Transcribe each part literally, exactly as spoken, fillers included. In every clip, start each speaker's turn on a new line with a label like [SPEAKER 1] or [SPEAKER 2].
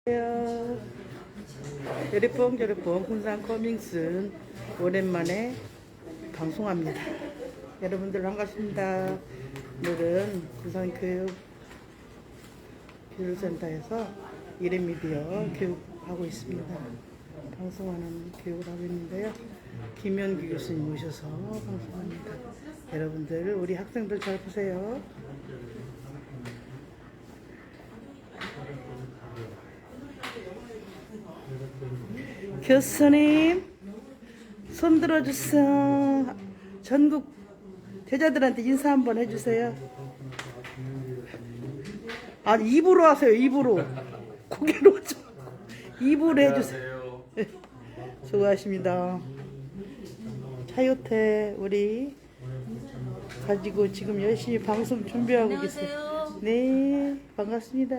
[SPEAKER 1] 안녕하세요. 여리뽕 여리뽕 군산 커밍슨 오랜만에 방송합니다. 여러분들 반갑습니다. 오늘은 군산 교육 교육센터에서 이레미디어 교육하고 있습니다. 방송하는 교육을 하고 있는데요. 김현기 교수님 모셔서 방송합니다. 여러분들 우리 학생들 잘 보세요. 교수님 손 들어주세요. 전국 제자들한테 인사 한번 해주세요. 아니 입으로 하세요. 입으로 고개로 좀 입으로 해주세요. 수고하십니다. 차요태 우리 가지고 지금 열심히 방송 준비하고 계세요. 네 반갑습니다.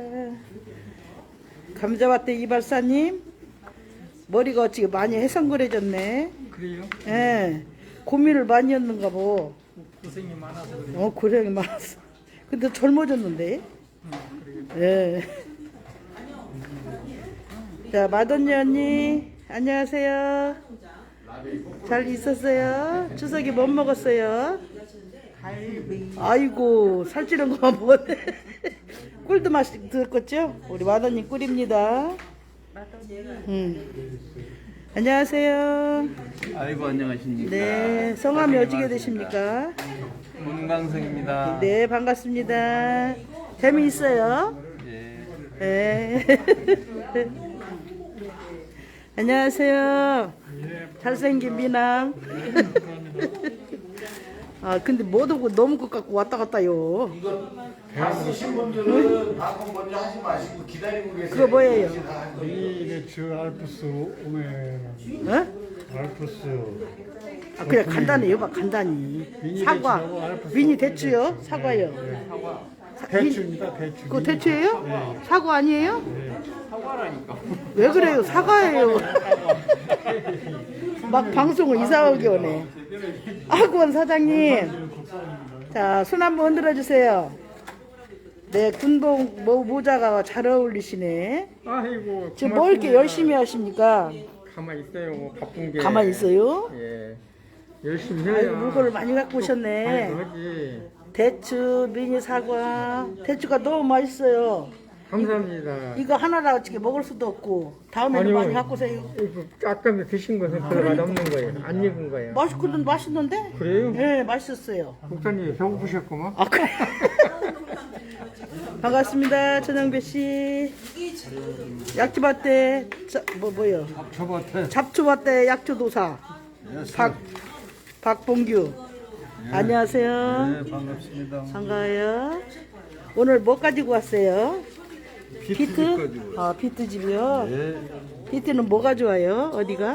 [SPEAKER 1] 감자밭대 이발사님 머리가 지금 많이 해성그레졌네.
[SPEAKER 2] 그래요?
[SPEAKER 1] 예. 고민을 많이 했는가 보.
[SPEAKER 2] 고생이 많아서 그래요.
[SPEAKER 1] 어, 고생이 많았어. 근데 젊어졌는데.
[SPEAKER 2] 음,
[SPEAKER 1] 예. 자, 마돈니 언니, 안녕하세요. 잘 있었어요? 추석에 뭐 먹었어요? 갈비. 아이고, 살찌는 거만 먹었네. 꿀도 맛이 들었겠죠? 우리 마돈니 꿀입니다. 음. 안녕하세요.
[SPEAKER 2] 아이고 안녕하십니까.
[SPEAKER 1] 네, 성함이 어찌게 되십니까?
[SPEAKER 2] 문광성입니다.
[SPEAKER 1] 네, 반갑습니다. 재미있어요?
[SPEAKER 2] 예.
[SPEAKER 1] 네. 안녕하세요. 잘생긴 미남. 아, 근데 못 오고 너무 것 같고 왔다 갔다요.
[SPEAKER 3] 다 쓰신 분들은 방송 먼저 하지 마시고 기다리고 계세요.
[SPEAKER 1] 그거 뭐예요?
[SPEAKER 4] 이게 저 알프스 오메
[SPEAKER 1] 어?
[SPEAKER 4] 알프스
[SPEAKER 1] 아, 그냥 간단해요, 막 간단히. 사과. 미니 대추요? 사과요. 사- 미-
[SPEAKER 4] 대추입니다. 대추.
[SPEAKER 1] 그거 대추예요? 사과 아니에요?
[SPEAKER 2] 사과라니까.
[SPEAKER 1] 왜 그래요? 사과예요. 막 방송을 이상하게 오네. 학원 사장님. 자, 손 한번 흔들어 주세요. 네, 군복 모, 모자가 잘 어울리시네.
[SPEAKER 2] 아이고.
[SPEAKER 1] 지금 뭐 이렇게 열심히 하십니까?
[SPEAKER 2] 가만히 있어요. 뭐 바쁜 게.
[SPEAKER 1] 가만히 있어요?
[SPEAKER 2] 예. 열심히 해야.
[SPEAKER 1] 아이고, 물건을 많이 갖고 오셨네.
[SPEAKER 2] 아이고, 하지.
[SPEAKER 1] 대추, 미니 사과. 대추가 너무 맛있어요.
[SPEAKER 2] 감사합니다.
[SPEAKER 1] 이거 하나라고 어떻게 먹을 수도 없고. 다음에는
[SPEAKER 2] 아니요.
[SPEAKER 1] 많이 갖고 오세요.
[SPEAKER 2] 이거 아까 드신 것은 별로 맛없는 거예요. 안 익은 거예요.
[SPEAKER 1] 맛있거든, 맛있는데?
[SPEAKER 2] 그래요?
[SPEAKER 1] 네, 맛있었어요.
[SPEAKER 2] 목사님 배고프셨구만.
[SPEAKER 1] 아, 그래. 반갑습니다, 전영배 씨. 약초밭대, 자, 뭐, 뭐요?
[SPEAKER 4] 저밭에
[SPEAKER 1] 잡초밭대 약초도사. 박, 박봉규. 안녕하세요.
[SPEAKER 4] 네, 반갑습니다.
[SPEAKER 1] 반가워요. 오늘 뭐 가지고 왔어요?
[SPEAKER 4] 비트
[SPEAKER 1] 비트?
[SPEAKER 4] 가지고
[SPEAKER 1] 아, 비트집이요?
[SPEAKER 4] 네.
[SPEAKER 1] 비트는 뭐가 좋아요? 어디가?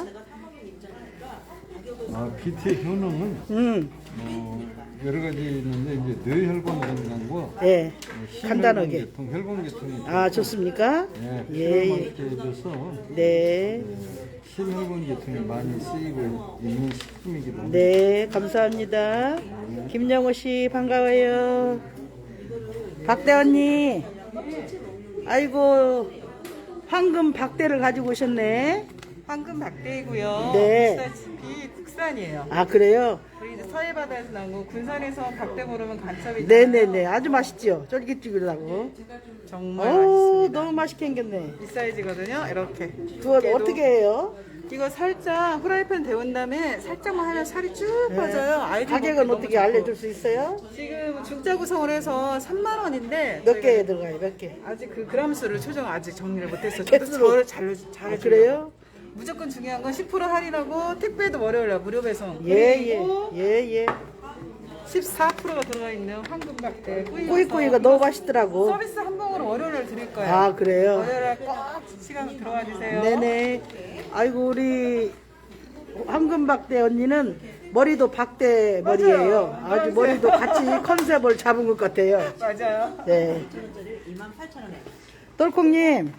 [SPEAKER 4] 아, 비트의 효능은
[SPEAKER 1] 음,
[SPEAKER 4] 뭐 여러 가지 있는데 이제 뇌혈관 건강과
[SPEAKER 1] 예.
[SPEAKER 4] 심혈관
[SPEAKER 1] 간단하게.
[SPEAKER 4] 계통, 혈관 계통이
[SPEAKER 1] 아, 좋습니까?
[SPEAKER 4] 예,
[SPEAKER 1] 예,
[SPEAKER 4] 필요한
[SPEAKER 1] 예.
[SPEAKER 4] 게 돼서
[SPEAKER 1] 네.
[SPEAKER 4] 심혈관 계통이 많이 쓰이고 있는 식품이기도 합니다.
[SPEAKER 1] 네, 감사합니다. 김영호 씨 반가워요. 박대 언니. 아이고, 황금 박대를 가지고 오셨네.
[SPEAKER 5] 황금 박대이고요.
[SPEAKER 1] 네.
[SPEAKER 5] 보시다시피 국산이에요.
[SPEAKER 1] 아, 그래요?
[SPEAKER 5] 우리 이제 서해바다에서 나온 거 군산에서 박대 모르면 간첩이
[SPEAKER 1] 네네네. 아주 맛있죠? 쫄깃쫄깃하고.
[SPEAKER 5] 정말
[SPEAKER 1] 오,
[SPEAKER 5] 맛있습니다.
[SPEAKER 1] 너무 맛있게 생겼네.
[SPEAKER 5] 이 사이즈거든요. 이렇게.
[SPEAKER 1] 그거
[SPEAKER 5] 두께도-
[SPEAKER 1] 어떻게 해요?
[SPEAKER 5] 이거 살짝 후라이팬 데운 다음에 살짝만 하면 살이 쭉 빠져요. 아이들
[SPEAKER 1] 가격은
[SPEAKER 5] 먹기 너무
[SPEAKER 1] 어떻게
[SPEAKER 5] 좋고.
[SPEAKER 1] 알려줄 수 있어요?
[SPEAKER 5] 지금 중짜 구성을 해서 삼만 원인데
[SPEAKER 1] 몇 개 들어가요? 몇 개?
[SPEAKER 5] 아직 그 그람 수를 조정 아직 정리를 못했어요. 저도
[SPEAKER 1] 개수로.
[SPEAKER 5] 저를 잘 잘.
[SPEAKER 1] 아, 그래요?
[SPEAKER 5] 무조건 중요한 건 십 퍼센트 할인하고 택배도 월요일 날 무료 배송.
[SPEAKER 1] 예, 예.
[SPEAKER 5] 그리고
[SPEAKER 1] 예, 예.
[SPEAKER 5] 십사 퍼센트가 들어가 있는 황금박대
[SPEAKER 1] 꾸이꾸이가 너무 맛있더라고.
[SPEAKER 5] 서비스 한 봉으로 월요일날 드릴 거예요.
[SPEAKER 1] 아, 그래요?
[SPEAKER 5] 월요일날 꼭 시간 들어와 주세요.
[SPEAKER 1] 네네. 아이고, 우리 황금박대 언니는 머리도 박대 머리예요.
[SPEAKER 5] 맞아요.
[SPEAKER 1] 아주 머리도 같이 컨셉을 잡은 것 같아요.
[SPEAKER 5] 맞아요.
[SPEAKER 1] 네. 똘콩님.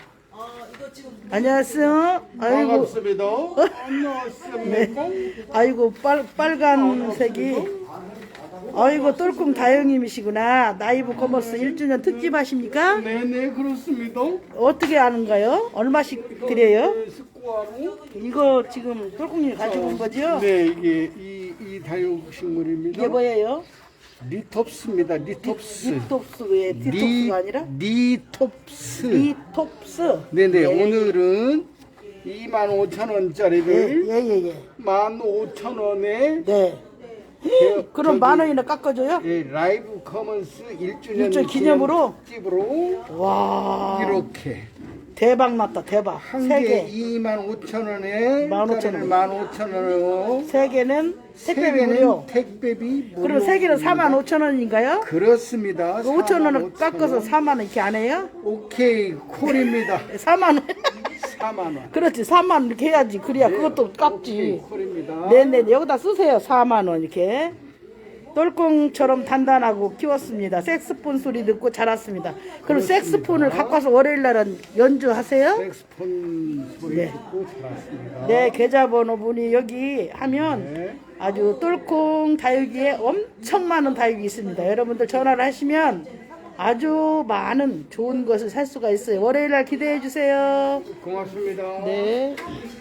[SPEAKER 1] 안녕하세요. 아이고.
[SPEAKER 3] 반갑습니다. 안녕하십니까?
[SPEAKER 1] 네. 아이고, 빨, 빨간색이 아이고 똘꿍 다영님이시구나. 나이브 커머스 일 주년 특집 하십니까?
[SPEAKER 6] 네네 그렇습니다.
[SPEAKER 1] 어떻게 하는가요? 얼마씩 드려요?
[SPEAKER 6] 스코어로
[SPEAKER 1] 이거 지금 똘꿍님이 가지고 온 거죠?
[SPEAKER 6] 네 이게 이, 이 다육식물입니다.
[SPEAKER 1] 이게 뭐예요?
[SPEAKER 6] 리톱스입니다. 리톱스.
[SPEAKER 1] 리톱스의 디톱스가 아니라
[SPEAKER 6] 리톱스.
[SPEAKER 1] 리톱스.
[SPEAKER 6] 네네 오늘은 이만 오천 원짜리를
[SPEAKER 1] 예예예.
[SPEAKER 6] 만 오천 원에
[SPEAKER 1] 네. 그럼
[SPEAKER 6] 저기,
[SPEAKER 1] 만 원이나 깎아줘요?
[SPEAKER 6] 예, 라이브 커먼스 일 주년
[SPEAKER 1] 일 주년 기념으로?
[SPEAKER 6] 특집으로
[SPEAKER 1] 와
[SPEAKER 6] 이렇게
[SPEAKER 1] 대박 났다 대박.
[SPEAKER 6] 한
[SPEAKER 1] 세
[SPEAKER 6] 개
[SPEAKER 1] 개.
[SPEAKER 6] 이만 오천 원에
[SPEAKER 1] 만 오천 원.
[SPEAKER 6] 만 오천 원으로
[SPEAKER 1] 세 개는 택배비
[SPEAKER 6] 세 개는
[SPEAKER 1] 무료.
[SPEAKER 6] 택배비 무료.
[SPEAKER 1] 그럼 세 개는 사만 오천 원인가요?
[SPEAKER 6] 그렇습니다.
[SPEAKER 1] 오천 원을
[SPEAKER 6] 사만 오천
[SPEAKER 1] 깎아서
[SPEAKER 6] 원.
[SPEAKER 1] 사만 원 이렇게 안 해요?
[SPEAKER 6] 오케이 콜입니다.
[SPEAKER 1] 사만 원.
[SPEAKER 6] 사만 원.
[SPEAKER 1] 그렇지 사만 원 이렇게 해야지. 그래야 그것도 깎지.
[SPEAKER 6] 콜입니다.
[SPEAKER 1] 네네 여기다 쓰세요. 사만 원 이렇게. 똘꿍처럼 단단하고 키웠습니다. 색스폰 소리 듣고 자랐습니다. 그럼 색스폰을 갖고 와서 월요일 날은 연주하세요?
[SPEAKER 6] 색스폰 소리
[SPEAKER 1] 네.
[SPEAKER 6] 듣고 들었습니다.
[SPEAKER 1] 네, 계좌번호 분이 여기 하면
[SPEAKER 6] 네.
[SPEAKER 1] 아주 똘꿍 다육이에 엄청 많은 다육이 있습니다. 여러분들 전화를 하시면 아주 많은 좋은 것을 살 수가 있어요. 월요일 날 기대해 주세요.
[SPEAKER 6] 고맙습니다.
[SPEAKER 1] 네.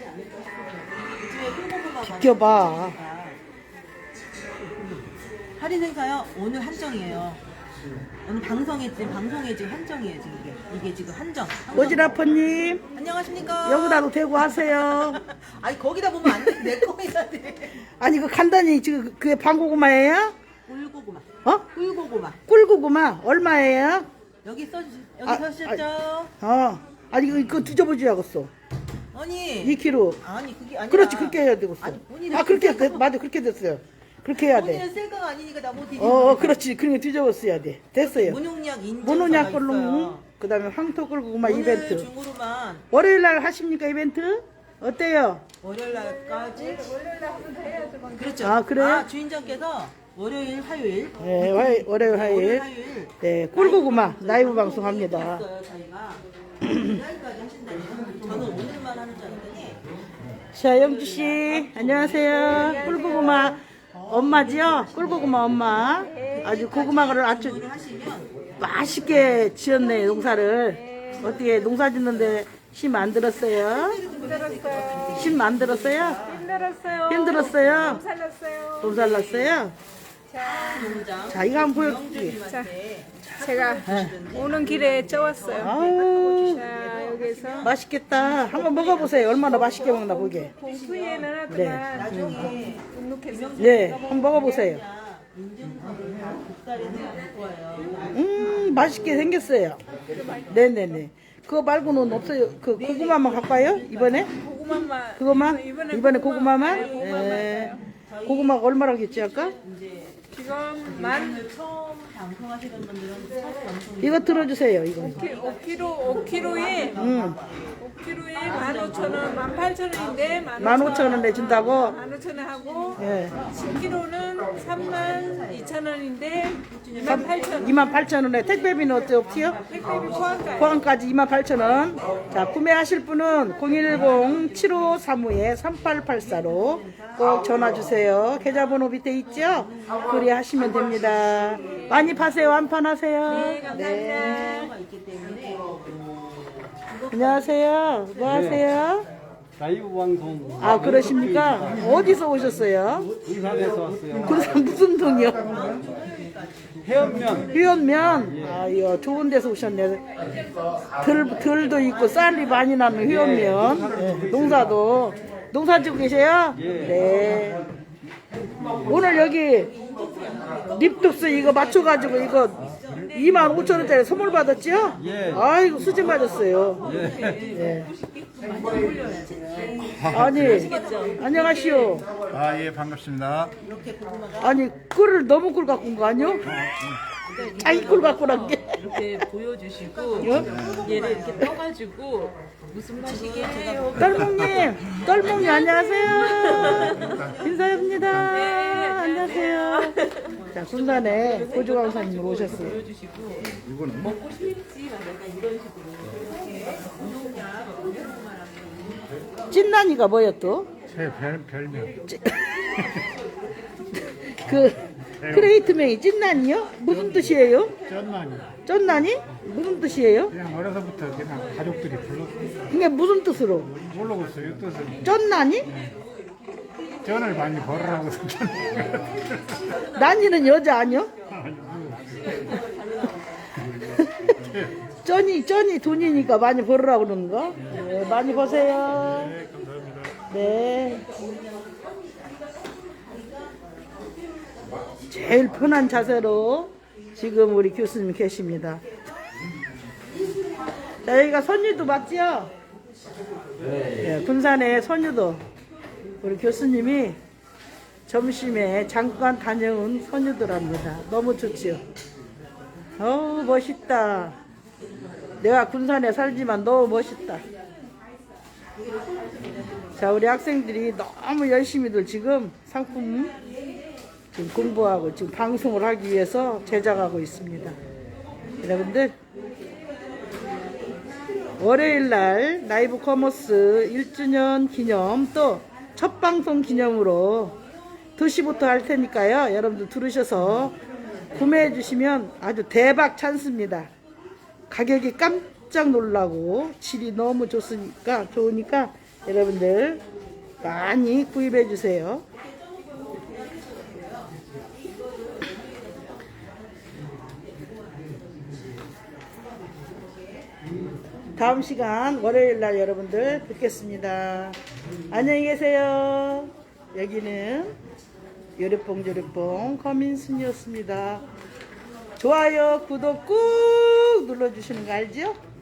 [SPEAKER 1] 비켜봐.
[SPEAKER 7] 할인 행사요? 오늘 한정이에요. 오늘 방송에 지금 방송에 지금 한정이에요 지금 이게 이게 지금 한정. 한정.
[SPEAKER 1] 오지라퍼님
[SPEAKER 7] 안녕하십니까?
[SPEAKER 1] 여기다도 대고 하세요.
[SPEAKER 7] 아니 거기다 보면 안 돼. 내 거에다 돼.
[SPEAKER 1] 아니 그 간단히 지금 그게 방고구마예요?
[SPEAKER 7] 꿀고구마.
[SPEAKER 1] 어?
[SPEAKER 7] 꿀고구마.
[SPEAKER 1] 꿀고구마 얼마예요?
[SPEAKER 7] 여기 써주 여기
[SPEAKER 1] 아,
[SPEAKER 7] 써주셨죠?
[SPEAKER 1] 어. 아니 이거, 이거 뒤져보지야겠어.
[SPEAKER 7] 아니.
[SPEAKER 1] 이 킬로그램.
[SPEAKER 7] 아니 그게 아니라.
[SPEAKER 1] 그렇지 그렇게 해야 되겠어.
[SPEAKER 7] 아니, 본인은
[SPEAKER 1] 아 그렇게
[SPEAKER 7] 셀카가-
[SPEAKER 1] 됐, 맞아 그렇게 됐어요. 그렇게 해야 돼.
[SPEAKER 7] 본인은 셀카가 아니니까 나못 드리는
[SPEAKER 1] 어, 어 그렇지 그러니까 뒤져봤어야 돼. 됐어요.
[SPEAKER 7] 문용약 인증.
[SPEAKER 1] 모노냐 꼴롱 그다음에 황토 꿀고구마
[SPEAKER 7] 오늘
[SPEAKER 1] 이벤트.
[SPEAKER 7] 중으로만
[SPEAKER 1] 월요일 날 하십니까 이벤트? 어때요?
[SPEAKER 7] 월요일 날까지. 그렇죠.
[SPEAKER 1] 아, 그래요?
[SPEAKER 7] 아, 주인장께서 월요일 화요일.
[SPEAKER 1] 네, 화- 월요일 화요일.
[SPEAKER 7] 화요일.
[SPEAKER 1] 네, 꿀고구마 라이브 방송합니다.
[SPEAKER 7] 했어요, 저희가. 내일까지 하신다면 저는 오늘만 하는 줄 알았더니
[SPEAKER 1] 자, 영주 씨, 안녕하세요. 꿀고구마 엄마지요? 꿀고구마 엄마. 아주 고구마를 아주
[SPEAKER 7] 오늘 하시면
[SPEAKER 1] 맛있게 지었네, 농사를. 어떻게 농사 짓는데 힘 안 들었어요? 힘 안 들었어요?
[SPEAKER 8] 힘들었어요.
[SPEAKER 1] 힘들었어요?
[SPEAKER 8] 못 살렸어요.
[SPEAKER 1] 돈 살랐어요?
[SPEAKER 7] 농장
[SPEAKER 1] 자, 이거 한번 보여줄게.
[SPEAKER 8] 자, 제가 오는 길에 쪄왔어요.
[SPEAKER 1] 아우,
[SPEAKER 8] 자, 여기서
[SPEAKER 1] 맛있겠다. 한번 먹어보세요. 얼마나 맛있게 먹나 보게.
[SPEAKER 8] 봉투에
[SPEAKER 1] 네.
[SPEAKER 8] 넣어놨구만.
[SPEAKER 7] 나중에
[SPEAKER 8] 눅눅해서.
[SPEAKER 1] 네, 한번 먹어보세요.
[SPEAKER 7] 인증서를 국가에서 줄 거예요.
[SPEAKER 1] 음, 맛있게 생겼어요. 네네네. 그거 말고는 없어요. 그 고구마만 갖고 와요? 이번에?
[SPEAKER 8] 고구마만.
[SPEAKER 1] 그거만?
[SPEAKER 8] 이번에
[SPEAKER 1] 이번에
[SPEAKER 8] 고구마-
[SPEAKER 1] 고구마만?
[SPEAKER 8] 네, 고구마만.
[SPEAKER 1] 네. 고구마가 얼마라겠지 아까?
[SPEAKER 8] 지금 만
[SPEAKER 7] 처음 방송하시는 분들은 첫 방송
[SPEAKER 1] 이거 들어주세요. 이거.
[SPEAKER 8] 오 킬로그램, 오 킬로그램에
[SPEAKER 1] 음,
[SPEAKER 8] 오 킬로그램에 만 오천 원, 만 팔천 원인데
[SPEAKER 1] 만 오천 원 내준다고?
[SPEAKER 8] 만 오천 원 하고
[SPEAKER 1] 예.
[SPEAKER 8] 십 킬로그램는 삼만 이천 원인데 이만 팔천 원.
[SPEAKER 1] 이만 팔천 원에 택배비는 어때 없지요?
[SPEAKER 8] 택배비 포함가요.
[SPEAKER 1] 포항까지 이만 팔천 원. 자, 구매하실 분은 공일공 칠오삼오 삼팔팔사로 꼭 전화 주세요. 계좌번호 밑에 있죠? 그리 하시면 됩니다. 많이 파세요. 완판하세요.
[SPEAKER 8] 네, 감사합니다.
[SPEAKER 7] 가 있기 때문에
[SPEAKER 1] 안녕하세요. 뭐 하세요?
[SPEAKER 4] 라이브 방송
[SPEAKER 1] 아, 그러십니까? 어디서 오셨어요?
[SPEAKER 4] 군산에서 왔어요.
[SPEAKER 1] 군산 무슨 동이요?
[SPEAKER 4] 해안면
[SPEAKER 1] 회원면? 아, 이거 좋은 데서 오셨네. 들, 들도 있고 쌀이 많이 나는 회원면. 네, 농사도. 농사 짓고 계세요? 네. 오늘 여기 립독스 이거 맞춰가지고 이거 이만 오천 원짜리 선물 받았지요?
[SPEAKER 4] 예.
[SPEAKER 1] 아이고 수진 맞았어요. 예. 아니 안녕하시오.
[SPEAKER 9] 아, 예, 반갑습니다.
[SPEAKER 1] 아니 꿀을 너무 꿀 갖고 온 거 아니요? 자기 꿀 갖고 온 게.
[SPEAKER 10] 이렇게 보여주시고 얘를 이렇게 떠가지고 무슨 맛이게요?
[SPEAKER 1] 떨몽님, 떨몽님 안녕하세요. 인사합니다. 안녕하세요. 자, 군산에 고조강사님 오셨어요.
[SPEAKER 10] 먹고 싶지 막 약간 이런 식으로
[SPEAKER 1] 찐난이가 뭐야 또?
[SPEAKER 9] 제 별, 별명.
[SPEAKER 1] 그 크레이트명이 찐난이요? 무슨 뜻이에요?
[SPEAKER 6] 쩐만이.
[SPEAKER 1] 쩐난이? 무슨 뜻이에요?
[SPEAKER 6] 그냥 어려서부터 그냥 가족들이 불렀어요.
[SPEAKER 1] 그게 무슨 뜻으로?
[SPEAKER 6] 모르겠어요. 뜻은.
[SPEAKER 1] 쩐난이?
[SPEAKER 6] 전을 많이 벌으라고.
[SPEAKER 1] 난이는 여자 아니요? 쩐이 쩐이 돈이니까 많이 벌으라고 그러는 거? 네, 많이 버세요.
[SPEAKER 6] 네, 감사합니다.
[SPEAKER 1] 네. 제일 편한 자세로 지금 우리 교수님 계십니다. 자, 여기가 선유도 맞지요? 네, 군산의 선유도. 우리 교수님이 점심에 잠깐 다녀온 선유도랍니다. 너무 좋지요? 어우, 멋있다. 내가 군산에 살지만 너무 멋있다. 자, 우리 학생들이 너무 열심히들 지금 상품 지금 공부하고 지금 방송을 하기 위해서 제작하고 있습니다. 여러분들, 월요일 날 라이브 커머스 일 주년 기념 또 첫 방송 기념으로 두 시부터 할 테니까요. 여러분들 들으셔서 구매해 주시면 아주 대박 찬스입니다. 가격이 깜짝 놀라고 질이 너무 좋으니까 좋으니까 여러분들 많이 구입해 주세요. 다음 시간 월요일 날 여러분들 뵙겠습니다. 안녕히 계세요. 여기는 요리뽕 요리뽕 커민순이었습니다. 좋아요 구독 꾹 눌러주시는 거 알죠?